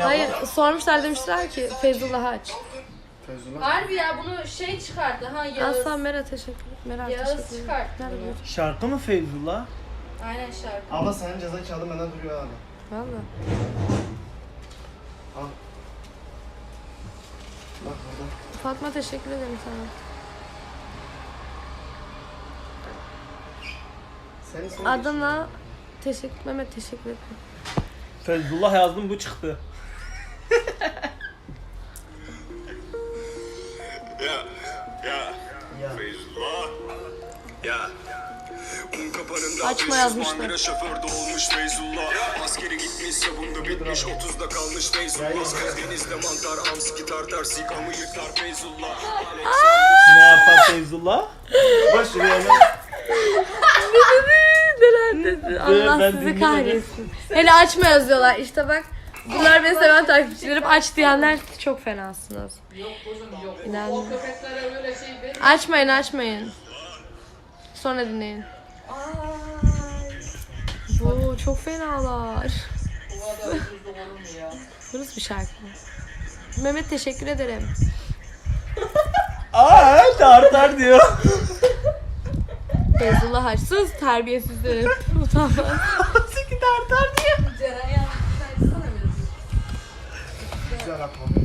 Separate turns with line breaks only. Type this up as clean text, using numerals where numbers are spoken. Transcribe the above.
Hayır sormuşlar demişler ki Feyzullah'ı aç.
Feyzullah.
Harbi ya bunu şey çıkardı ha Yağız.
Aslan Mera teşekkür ederim.
Yağız çıkarttı
Nerede
bunu.
bu?
Şarkı mı Feyzullah?
Aynen şarkı.
Abla senin ceza kağıdın benden duruyor abi.
Valla.
Al. Bak burada.
Fatma teşekkür ederim sana.
Senin
Adana teşekkür Mehmet teşekkür ederim.
Feyzullah yazdım bu çıktı.
Feyzullah. Ya. Un kapanında
Açma yazmışlar.
Bandera şoförde olmuş Feyzullah. Askeri gitmiş sabunda bitmiş 30'da kalmış Feyzullah. Karadeniz'de mantar amski tartar sikamı yıkar Feyzullah.
Ne yapar Feyzullah?
Boş şuraya hemen.
Allah
Ben
sizi
dinlemedim.
kahretsin. Hele açma yazıyorlar. İşte bak. Bunlar beni seven takipçilerim. Aç diyenler çok fenasınız.
Yok kuzum yok.
İnan.
O köpeklere öyle şey değil.
Açmayın. Sonra dinleyin. Bu çok fenalar.
O kadar ucuzluk olur mu ya?
Burası bir şarkı. Mehmet teşekkür ederim.
Tartar diyor.
Feyzullah aç. Sus terbiyesizdir. Utanmaz.
Siki tartar diyor.
Ceren yazmış. Açsana biraz.
Güzel atma.